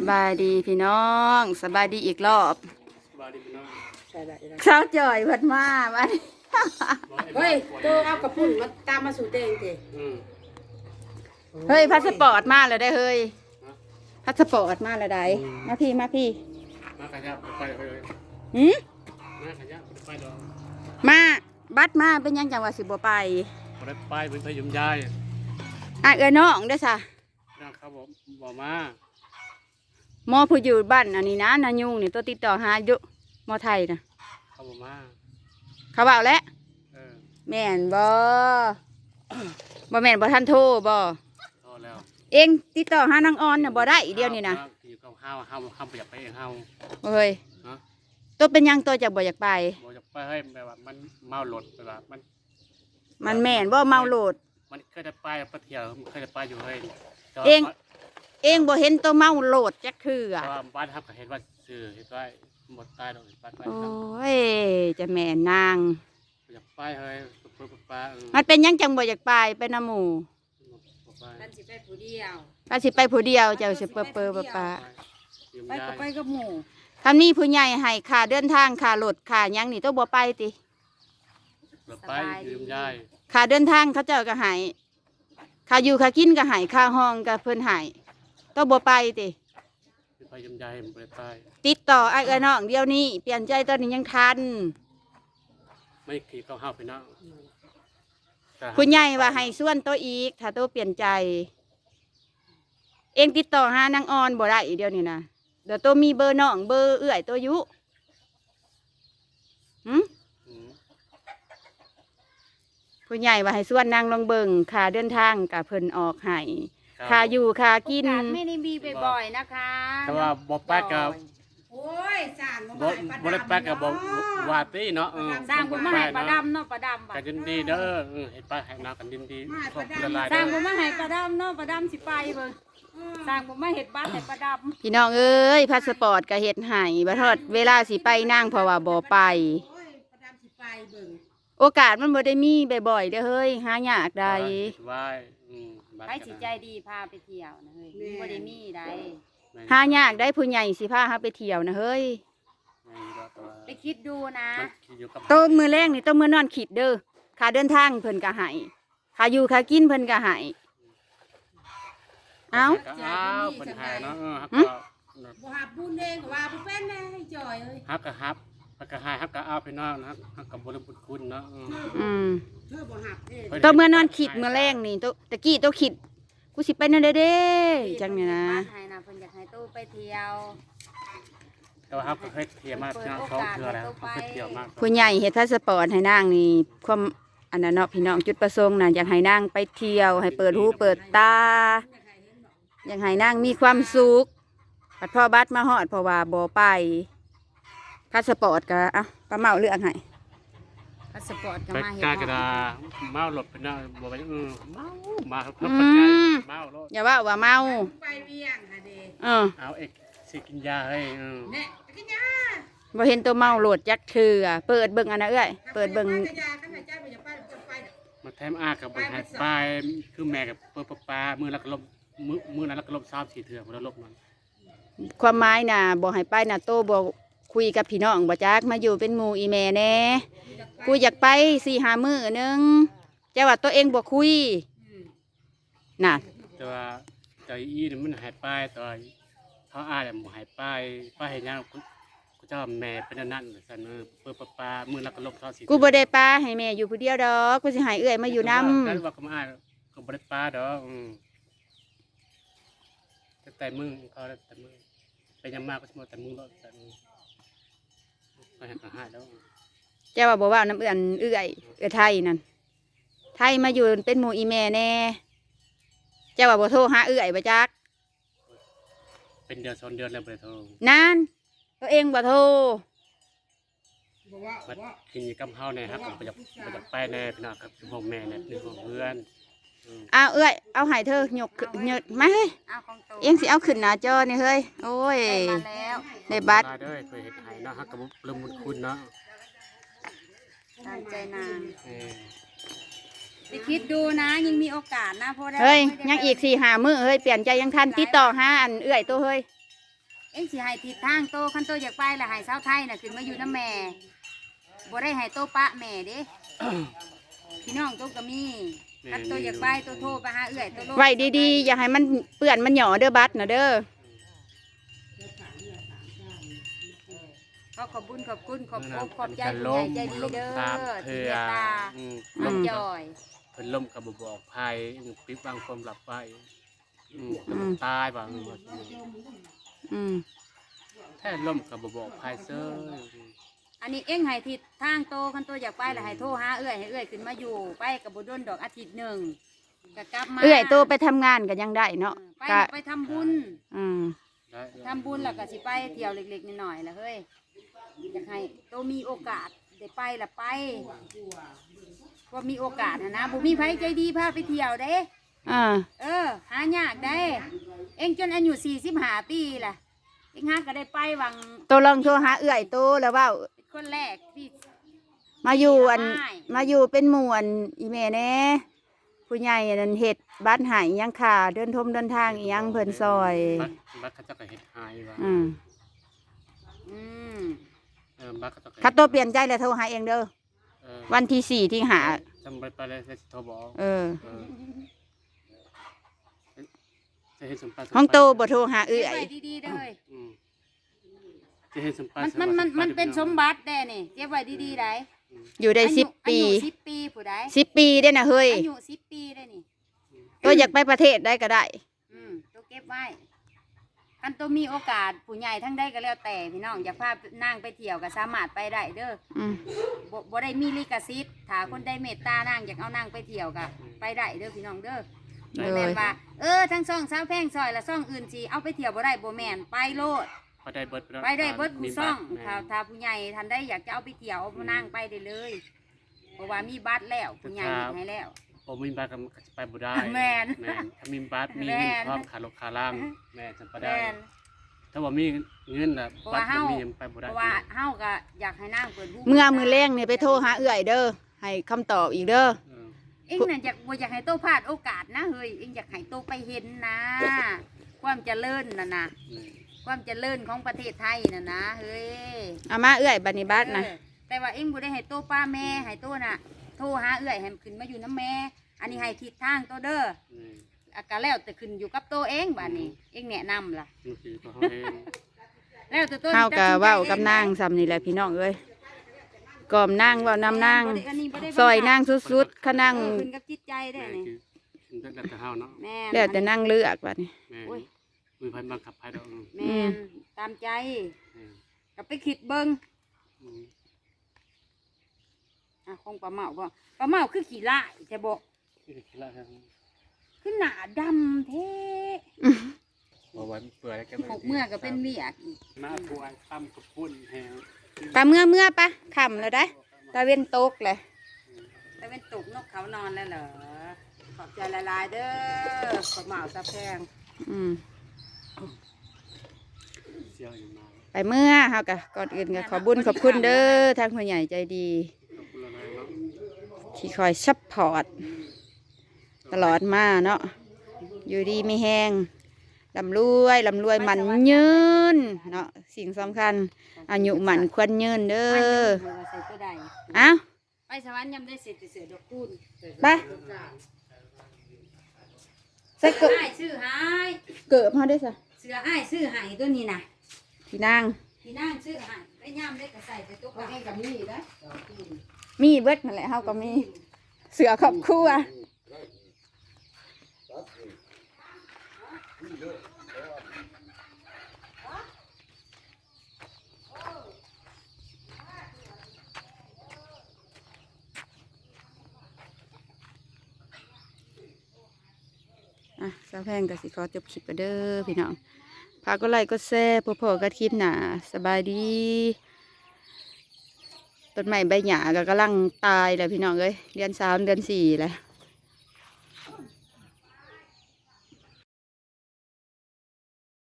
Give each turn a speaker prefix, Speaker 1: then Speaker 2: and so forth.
Speaker 1: บายดีพี่น้องสบายดีอีกรอบ
Speaker 2: บาดีพี่น้อง
Speaker 1: เช้าจ่อยเพัดมาบ้าน
Speaker 3: เฮ้ยตัวเอากระปุ่นมาตามมาสู่เตงเตะ
Speaker 1: เฮ้ยพาสปอร์ตมาแล้วได้เฮ้ยพาสปอร์ตมาแล้วได้มาพี่
Speaker 2: มาขยับไปเลย
Speaker 1: หืม
Speaker 2: มาขยับไปดอก
Speaker 1: มาบัดมาเป็นยังจังหวัดสิบไป
Speaker 2: บ่ได้ไปเป็นพยุมยาย
Speaker 1: เอ้ยน้องเด้อซะ
Speaker 2: นะครับผมบ่มา
Speaker 1: หมอผู้อยู่บ้านอันนี้นะนายุงนี่ตัวติดต่อหาอยู่หมอไทยนะ
Speaker 2: เขาบ่มา
Speaker 1: เขาบอกแล้วแม่นบ่แม่นบ่ทันโทรบ่
Speaker 2: โทรแล้ว
Speaker 1: เองติดต่อหานางออนน่ะบ่ได้เดียวนี่นะ
Speaker 2: อยู่กับเฮาบ่อยากไปเองเฮา
Speaker 1: เฮ้ยตัวเป็นยังตัวจะบ่อยากไป
Speaker 2: บ่อยากไปให้แบบว่ามันเมาหลดแบบว่า
Speaker 1: มันแม่นบ่เมาโหลด
Speaker 2: มันเคยได้ไปเที่ยวเคยได้ไปอยู่เฮ้ย
Speaker 1: เองบ่เห็นตัวเมาโหลดจักคืออ่ะ
Speaker 2: บ้านครับก็เห็นว่าซื้อเฮ็ดไว้หมดตายดอกบ้านไป
Speaker 1: โอ้ยจะแม่นาง
Speaker 2: อยากไปเฮ้ยป้า
Speaker 1: มันเป็นยังจังบ่อยากไปนำหมู่
Speaker 3: ท่านสิไปผู้เดียว
Speaker 1: ถ้าสิไปผู้เดียวเจ้าสิเปอป้า
Speaker 3: ไปก็ไปกับหมู่
Speaker 1: คำนี้ผู้ใหญ่ให้ค่าเดินทางค่ารถค่ายังนี่ต้องบ่ไปติ
Speaker 2: ไปยืมยาย
Speaker 1: ค่าเดินทางเขาเจ้าก็ให้ค่าอยู่ค่ากินก็ให้ค่าห้องก็เพิ่นให้ต้องบ่ไปติ
Speaker 2: ไปยืมยายบ่ไป
Speaker 1: ติดต่อไอ้เอ้ยน้องเดี๋ยวนี้เปลี่ยนใจตอนนี้ยังทัน
Speaker 2: ไม่ขี่เข้าห้าไปนะ
Speaker 1: ผู้ใหญ่ว่าให้ส่วนตัวอีกถ้าตัวเปลี่ยนใจเองติดต่อหานางออนบ่ได้เดี๋ยวนี้นะเดี๋ยวตัวมีเบอร์น้องเบอร์เอื้อยตัวยุผู้ใหญ่ว่าให้ส่วนนางลงเบิ่งค่าเดินทางกับเพิ่นออกให้ค่าอยู่ค่ากิน
Speaker 3: ไม่ได้มีบ่อยๆนะคะ
Speaker 2: แต่ว่าบ่แป๊กกับ
Speaker 3: โอ้ยสร้าง
Speaker 2: บ่ได้แป๊กกับบ่วาตีเนาะ
Speaker 3: สร้างบ่มาให้ปลาดำเนาะปลาดำ
Speaker 2: กันดีเด้อเฮ็ดไปให้นากันดี
Speaker 3: สร้างบ่มาให้ปลาดำเนาะปลาดำสิไปเบิ่งสร้างบ่มาเฮ็ดบ้านให้ปลาดำ
Speaker 1: พี่น้องเอ้ยพาสปอร์ตก็เฮ็ดให้บ่ทอดเวลาสิไปนั่งเพราะว่าบ่ไปโอกาสมันบ่ได้มีบ่อยๆเด้อเฮ้ยหายากใด
Speaker 3: ไปสิใจดีพาไปเที่ยวนะเฮ้ยบ่ได้มีใด
Speaker 1: หายากได้ผู้ใหญ่สิพาเฮาไปเที่ยวนะเฮ้ย
Speaker 3: ไปคิดดูนะ
Speaker 1: โตมือแรกนี่โตมือนอนคิดเด้อค่าเดินทางเพิ่นก็ให้ค่าอยู่ค่ากินเพิ่นก็ให้เอ้า
Speaker 2: เพิ่นให้เนาะ
Speaker 3: บ่ฮับบุญเองก็ว่าบ่เป็นแน่ให้จ่อยเอ้ย
Speaker 2: ฮักก็ฮับก็ให้ฮักก็เอาไปนอนฮักก็บ่ได้บุญคุณเนาะ
Speaker 3: เธอบ่ฮับเ
Speaker 1: ด้โตมือนอนคิดมื้อแรกนี่โตตะกี้โตคิดกูสิไปนั่นเด้จังนี่นะ
Speaker 3: ให้นะเพิ่นอยากให้ตู้ไปเที่ยว
Speaker 2: แต่ว่าเคยเที่ยวมา2 เทื่อแล้วเคยเที่ยวมาก
Speaker 1: ผู้ใหญ่เฮ็ดพาสปอร์ตให้นางนี่ความอันนั้นเนาะพี่น้องจุดประสงค์น่ะอยากให้นางไปเที่ยวให้เปิดหูเปิดตาอยากให้นางมีความสุขบัดพ่อบัดมาฮอดเพราะว่าบ่ไปพาสปอร์ตก็ป้าเมาเลือกให้
Speaker 3: พาสปอร์ตก็มาเฮ็ด
Speaker 2: กระดาเมาหลบไปนะบ่ไปเมาครับเมา
Speaker 1: อย่าว่าเมา
Speaker 3: ไปเวียงค่ะเด้
Speaker 2: เอาเอกสิกินยาให้
Speaker 3: เนี่ยกินยา
Speaker 1: บ่เห็นตัวเมาโหลดจักคือเปิดเบิ่งอันน่ะเอ้ยเปิดเบิ่ง
Speaker 2: มาแถมกับบ่ให้ไปคือแม่กับป้ามื้อละก็ลบมื้อนั้นละก็ลบ3-4 เทื่อบ่ได้ลบมัน
Speaker 1: ความหมายน่ะบ่ให้ไปน่ะโตบ่คุยกับพี่น้องบ่จักมาอยู่เป็นหมู่อีแม่แน่กูอยากไป4-5 มื้อนึงแต่ว่าตัวเองบ่คุยน่ะ
Speaker 2: แต่ว่าใจอีนี่มันหายไปต่อเขาอ้ายบ่หายไปเฮ็ดหยังกูเจ้าแม่เป็นนั่นซั่นป้ามื้อละก็ลบ24
Speaker 1: กูบ่ได้ป้าให้แม่อยู่ผู้เดียวดอกกูสิให้เอื้อยมาอยู่นำ
Speaker 2: แล้วว่าก็อ้ายก็บ่ได้ป้าดอกแต่มึงเขาแต่มึงไปยังมากก็สมมติแต่มึงรอดแต่มึงก็เห็นหายแล้ว
Speaker 1: เจ้าว่าบอกว่าน้ำเอื้อยไทยนั่นไทยมาอยู่เป็นหมู่อีแม่แน่เจ้าว่าบ่โทรหาเอื้อยบ่จัก
Speaker 2: เป็นเดือน2 เดือนแล้วบ่ได้โทร
Speaker 1: นั่นตัวเองบ่โทร
Speaker 2: กินกับเฮาเนี่ยครับผมไปจากไปแน่พี่น้องครับพ่อแม่เนี่ยนี่ของเพื่อน
Speaker 1: เอ้ยเอาให้เธอยกมาเฮ้ยเอ็งสิเอาขึ้นหน้าจอนี่เฮ้ยโอ้ยในบัตร
Speaker 2: เคยเห็นไห้เนาะฮักกับลืมบุญคุณเนาะ
Speaker 3: ตามใจนางไปคิดดูนะยังมีโอกาสนะเพราะ
Speaker 1: เฮ้ยยังอีก4-5 มื้อเฮ้ยเปลี่ยนใจยังทันติดต่อหาอันเอื้อยตัวเฮ้ย
Speaker 3: เอ็งสิให้ทิศทางโตคันโตอยากไปละให้สาวไทยน่ะขึ้นมาอยู่น้ำแม่บ่ได้ให้โตปะแม่เด้ พี่น้องโตก็มีคันโตอยากไปโตโทรไปหาเอื้อยโตโลด
Speaker 1: ไว้ดีๆอย่าให้มันเปื้อนมันหย่อเด้อบัดนะเด้อ
Speaker 3: ขอบคุณขอบคุณขอบอกขอบใจ
Speaker 2: มันก็
Speaker 3: ผู้ใหญ่ใจดี
Speaker 2: ล่ม
Speaker 3: เด้อ
Speaker 2: ตาม
Speaker 3: ที่
Speaker 2: เพื่
Speaker 3: เม
Speaker 2: อ
Speaker 3: ตตา
Speaker 2: ล่
Speaker 3: น้
Speaker 2: ม
Speaker 3: อง
Speaker 2: จ
Speaker 3: จ
Speaker 2: อ
Speaker 3: อย ย
Speaker 2: เพิ่นล่มกับบอกภัยปิดบังความหลับไปตายบาง
Speaker 1: อืม
Speaker 2: แท้ล่มกับบอกภัยเซ้อ
Speaker 3: อันนี้เอ็งให้ทิศทางโตคันโตอยากไปละให้โทรหาเอื้อยให้เอื้อยขึ้นมาอยู่ไปกับบ่โดนดอกอาทิตย์หนึ่งก็กลับมา
Speaker 1: เอื้อยโตไปทำงานก็ยังได้เนาะ
Speaker 3: ไป
Speaker 1: ก็
Speaker 3: ไปทำบุญ
Speaker 1: อืม
Speaker 3: ทำบุญแล้วก็สิไปเที่ยวเล็กๆน้อยๆละเฮ้ยอยากให้โตมีโอกาสได้ไปละไปว่ามีโอกาสนะบุมีไผใจดีพาไปเที่ยวเด้
Speaker 1: อ่า
Speaker 3: หายากได้ เอ็งจนอายุ45 ปีล่ะเอ็งหาก็ได้ไปวัง
Speaker 1: โตลองโทรหาเอื้อยโตแล้วว่า
Speaker 3: เป็นคนแรกที่
Speaker 1: มาอยู่อัน
Speaker 3: ได้
Speaker 1: มาอยู่เป็นหมวนอีแม่แน่ผู้ใหญ่นั่นเฮ็ดบ้านหายยังค่ะเดินทางอีหยังเพิ่นซอย
Speaker 2: บัดเขาจะก็เฮ็ดหายว่า
Speaker 1: อืม
Speaker 3: อืม
Speaker 2: บัดเขาจะ
Speaker 1: คัดโตเปลี่ยนใจแล้วโทรหาเองเด้อวันที่4ที่หา
Speaker 2: จำไปเลยจะโทรบอก
Speaker 1: เออ
Speaker 2: จะเห็นสมปัติ
Speaker 1: ห้องโตบ่โทรหา
Speaker 3: เก็
Speaker 1: เอื้
Speaker 3: บ
Speaker 1: อย
Speaker 3: ไว้ดีๆเด้อ
Speaker 2: จะเห็นสมปัติ
Speaker 3: มันเป็นสมบัติแน่นี่เก็บไว้ดีๆได้
Speaker 1: อยู่ได้10 ปี
Speaker 3: อายุ10 ปีผู้ใด
Speaker 1: 10 ปีได้น่ะเฮ้ย
Speaker 3: อายุ10 ปีได้นี่
Speaker 1: โตอยากไปประเทศได้ก็ได้
Speaker 3: ตัวเก็บไว้อันตัวมีโอกาสผู้ใหญ่ทั้งได้ก็แล้วแต่พี่น้องอยากพานางไปเที่ยวก็สามารถไปได้เด้อ
Speaker 1: อืม
Speaker 3: บ่ได้มีลิขสิทธิ์ถ้าคนได้เมตตานางอยากเอานางไปเที่ยวก็ไปได้เด้อพี่น้องเด้อ
Speaker 1: เล
Speaker 3: แม่
Speaker 1: ย
Speaker 3: นว่าทั้งซ่องสาวแพงซอยและซ่องอื่นสิเอาไปเที่ยวบ่ได้บ่แม่นไปโลด
Speaker 2: ไปได้เบิด
Speaker 3: ไปได้เบิดผู้ซ่องถ้าผู้ใหญ่ทันได้อยากจะเอาไปเที่ยวเอานางไปได้เลย เพราะว่ามีบัตรแล้วผู้ใหญ่เฮ็ดให้แล้ว
Speaker 2: ผมมีบัตรก็ไปบ่ได้
Speaker 3: แม่น
Speaker 2: ถ้ามีบัตรมีเงินพร้อมขาลกขาล่างแม่จะไปได้
Speaker 3: แม่น
Speaker 2: ถ้าว่ามีเงินน่ะบัตรมียังไปบ่
Speaker 3: เพ
Speaker 2: ได้
Speaker 3: ราะว่าเฮาก็อยากให้นางเปิดหู
Speaker 1: เมื่อมือแรงนี่ไปโทรหาเอื้อยเด้อให้คำตอบอีกเด้อ
Speaker 3: เอ็งน่ะอยากให้โตพลาดโอกาสนะเฮ้ยเอ็งอยากให้โตไปเห็นนะ ความเจริญน่ะนะความเจริญของประเทศไทยน่ะนะเฮ้ย
Speaker 1: เอามาเอื้อยบัดนี้บัดนะ
Speaker 3: แต่ว่าเอ็งบ่ได้ให้โตป้าแม่ให้โตน่ะโทรหาเอื้อยให้ขึ้นมาอยู่น้ำแม่ อันนี้ให้ทิศทางโตเด้ออาการแล้วแต่ขึ้นอยู่กับโตเองบัดนี้เอ็งแนะนำล่ะ
Speaker 2: นี่คือเขาเอง
Speaker 3: แล้วแต่โต
Speaker 1: เฮาก็เว้ากับนางซ้ำนี่แหละพี่น้องเอ้ยกล่อมนางเว้านำนางซอยนางสุดๆคะนาง
Speaker 3: ขึ้นกับจิตใจได้นี่
Speaker 2: คือแล้วแต่เฮาเนาะ
Speaker 3: แม่
Speaker 1: แล้วแต่นางเลือกบัดนี้
Speaker 2: แม่มือพันบังคับให้ดอก
Speaker 3: แม่นตามใจก็ไปคิดเบิ่งคงปลาเมาบ่ปลาเมาคือขี้ลายแต่บ่
Speaker 2: นี่คือละครับ
Speaker 3: คือหนาดำเท่
Speaker 2: บ่ไว้เปื่อยแล้ว
Speaker 3: หกเมื่อก็เป็นเวียกอีก
Speaker 2: มาถวยตำกับพุ่นแฮง
Speaker 1: ปะเมื่อปะค่ำแล้วได้ตะเว้นตกเลย
Speaker 3: แต่เป็นตุกนกเขานอนแล้วเหรอขอบใจหลายๆเด้อปลาเมาตะแพง
Speaker 1: อืม
Speaker 2: เสียวอยู่มา
Speaker 1: ไปเมื่อเฮาก็ก่อนอื่นก็ขอบุญขอบคุณเด้อทางผู้ใหญ่ใจดี
Speaker 2: ขอบคุณอะไรเนาะ
Speaker 1: ที่คอยซัพพอร์ตตลอดมาเนาะอยู่ดีไม่แห้งลำรวยมันยืนเนาะสิ่งสำคัญอายุมันควรยืนเด้อ
Speaker 3: ใส่ตัวใด
Speaker 1: เอ้า
Speaker 3: ไปสวรรค์ยำได้เสร็จเสือดอกคูณ
Speaker 1: ไปใส่เกิบ
Speaker 3: อ้ายซื้อหาย
Speaker 1: เกิบเฮาได้ซะ
Speaker 3: เสืออ้ายซื้อหายตัวนี้นะ
Speaker 1: พี่นาง
Speaker 3: พี่นางซื้อหายไปย่ำได้ก็ใส่ไปตัวกับเองกับนี่นะ
Speaker 1: มีเบิดนั่นแหละเฮาก็มีเสือครอบครัวสาวแพงก็สิขอจบคลิปไปเด้อพี่น้องพากก็ไลค์ก็แซ่พอๆกับคลิปหนาสบายดีต้นไม้ใบหญ้าก็กำลังตายเลยพี่น้องเอ้ยเดือน3 เดือน 4แล้ว